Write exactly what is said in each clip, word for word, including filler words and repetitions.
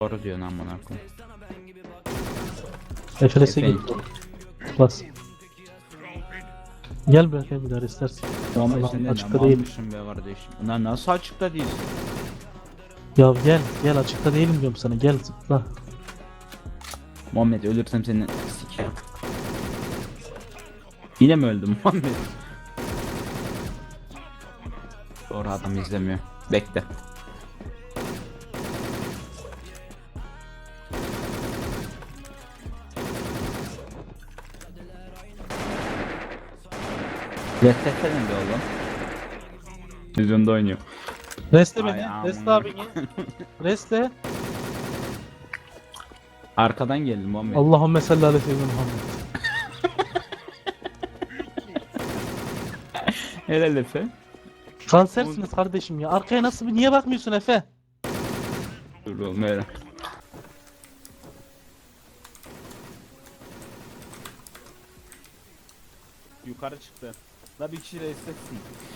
Doğru diyorsun amına koyayım. F L S'e Efendim? git. Bas. Gel bırak bir daha istersen. Muhammed Lan, sen de açıkta ne değil. almışsın be kardeşim. Lan nasıl açıkta değilsin? Ya gel gel açıkta değilim diyorum sana, gel zıpla. Muhammed ölürsem seni sikerim. Yine mi öldüm Muhammed? Doğru adam izlemiyor. Bekle. Restetsene de oğlum. Yüzünde oynuyor. Reste Ay, beni. aman. Reste abini. Reste. Arkadan geldim Muhammed. Allahümme salli ala seyyidina Muhammed. Helal Efe. Kansersiniz kardeşim ya. Arkaya nasıl bir, niye bakmıyorsun Efe? Dur oğlum öyle. Yukarı çıktı. La bir kişi restetsin.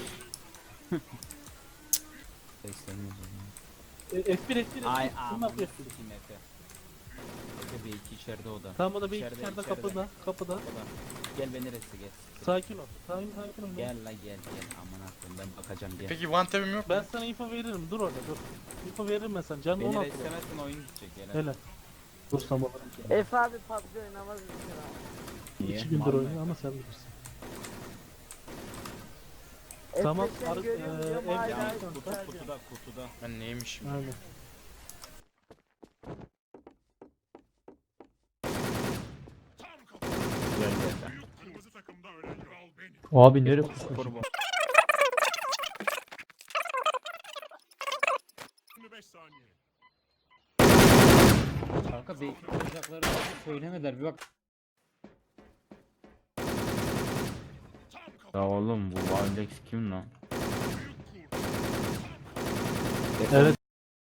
Reslemiyoruz E, F bir F bir. Ay Kim aman yapıyor F bir? sikeyim Efe. Efe bir iki içeride o da. Tamam, o da bir İçeride, içeride içeride. kapıda. Kapıda. O da. Gel beni reste gel. Sakin ol. Sakin sakin ol. Gel la gel gel aman akıllım ben bakacağım gel. Peki one tap'im yok. Ben sana info veririm. Dur orada dur. Info veririm ben sana. Canın Beni on altı. restemezsen oyun gidecek gel. Hele. Dur tamam. Efe abi P U B G oynamaz mısın abi? Niye? İki gündür Mal mı? oynuyor ama sen bilirsin. Efe Tamam, seni ar- görüyorum eee, diyorum, evde hala Ya, Aynen. kutu, yükseleceğim. kutuda kutuda. Ben neymişim? Aynen. Geldi Efe. Abi nereye Kurban. Kanka belki olacakları söylemediler bir bak. Ya oğlum bu Valdex kim lan? Evet.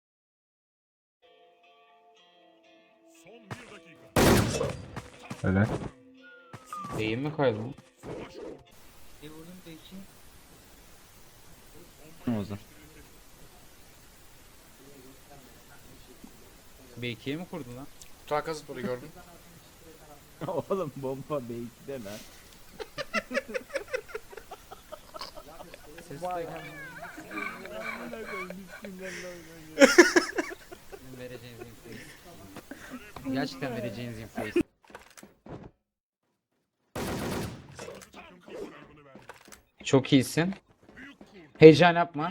Öyle. Beyin mi kaydı lan? O zaman. B ikiye mi kurdun lan? Takas sporu gördüm. Oğlum bomba B ikide lan. Vay. Vereceğiniz infoyu. Gerçekten vereceğiniz infoyu. Çok iyisin. Heyecan yapma.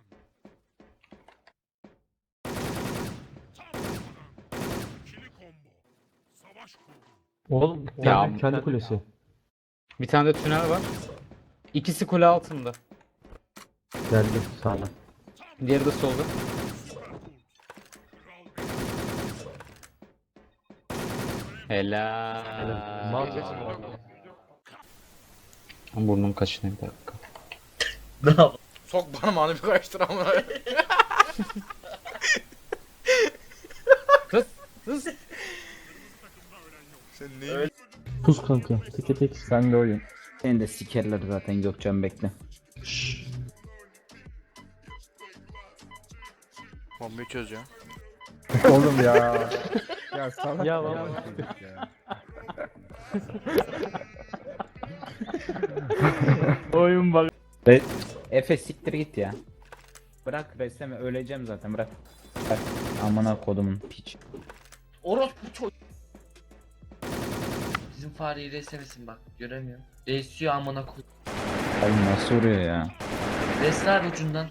Oğlum Ya, kendi, kendi kulesi. Bir tane de tünel var. İkisi kule altında. Geldi sağına. Diğeri de solda. Helal. Mal- Burnum kaşınıyor bir dakika. Sok parmağını bir karıştır amına. Kız, kız. Sen neyin? Pus kanka. Teke tek. Sen de oyun. Seni de sikerler zaten Gökçen bekle. Bombayı çöz ya. Oğlum ya. Ya salak Ya ya. vallahi. ya. Oyun bak. Re Efe siktir git ya. Bırak resme öleceğim zaten bırak. Bırak. Amına kodumun piç. Orospu çocuk. Bizim fareyi reslemesin bak, göremiyorum. Resliyor amına koy. Oğlum nasıl vuruyor ya? Resler ucundan.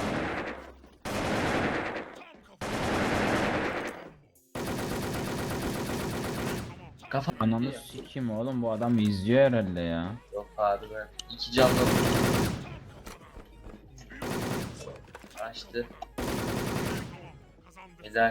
Kafa Ananı sikeyim oğlum bu adam izliyor herhalde ya. yok abi be. İki canlı. Açtı. Helal.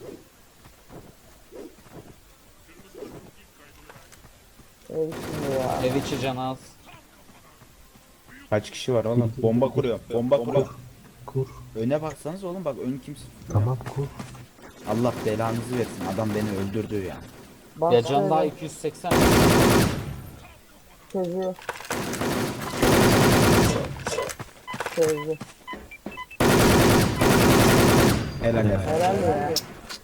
Ev şimdi ya. Ev içi can az. Kaç kişi var oğlum? Bomba kuruyor. Bomba kuruyor. Kur. Öne baksanız oğlum bak ön kimse. Tamam kur. Allah belanızı versin. Adam beni öldürdü ya. Bak Ya can daha şöyle, iki yüz seksen. Çözüyor. Çözdü. Helal helal. Helal ya.